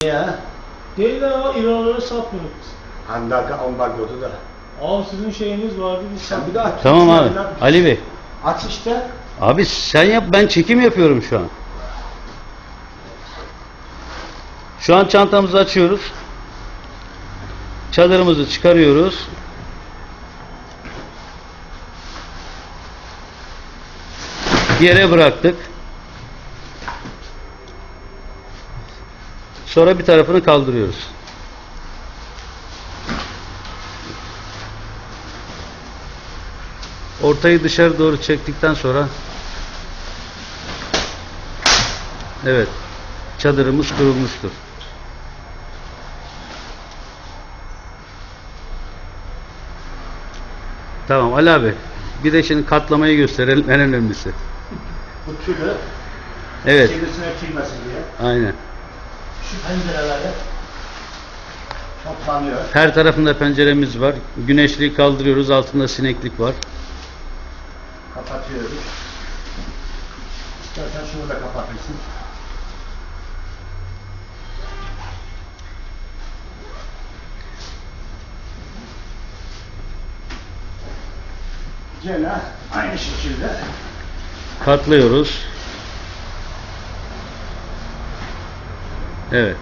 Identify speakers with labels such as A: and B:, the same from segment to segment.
A: Ya.
B: Değil de ama İranlara satmıyoruz biz.
A: Ambargodu da.
B: Abi sizin şeyiniz vardı biz
A: Sen bir
B: satmıyoruz.
A: daha
C: Tamam abi. Ali Bey.
A: Aç işte.
C: Abi sen yap, ben çekim yapıyorum şu an. Şu an çantamızı açıyoruz. Çadırımızı çıkarıyoruz. Yere bıraktık. Sonra bir tarafını kaldırıyoruz. Ortayı dışarı doğru çektikten sonra evet, çadırımız kurulmuştur. Tamam Ali abi, bir de şimdi katlamayı gösterelim, en önemlisi.
A: Bu tülü
C: Evet,
A: çevresine girmesin diye.
C: aynen.
A: Şu pencereleri toplanıyor.
C: Her tarafında penceremiz var. Güneşliği kaldırıyoruz, altında sineklik var.
A: Kapatıyoruz. İstersen şunu da kapatırsın. Gene aynı şekilde
C: Katlıyoruz. Evet.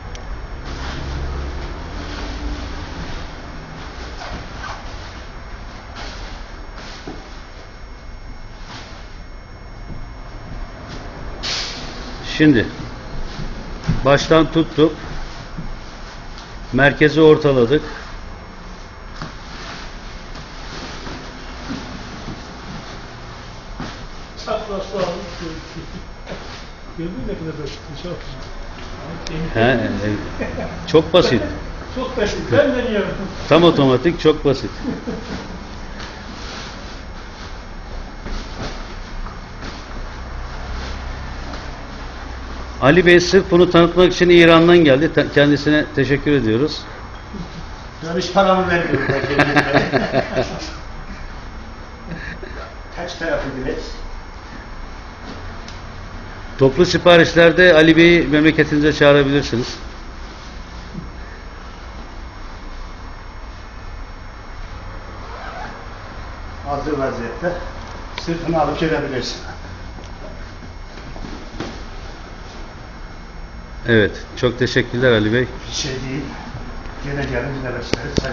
C: Şimdi baştan tuttuk. Merkezi ortaladık.
B: Çaprazlı almış. Gördün mü ne kadar basit? Çok
C: He, çok basit.
B: Çok basit. Ben deniyorum.
C: Tam otomatik, çok basit. Ali Bey sırf bunu tanıtmak için İran'dan geldi. Kendisine teşekkür ediyoruz.
A: ben hiç paramı vermiyorum. Kaç tarafı bilet?
C: Toplu siparişlerde Ali Bey'i memleketinize çağırabilirsiniz.
A: Hazır vaziyette sırtını alıp gelebilirsin.
C: Evet, çok teşekkürler Ali Bey.
A: Bir şey değil. Gene gelin, yine bekleriz.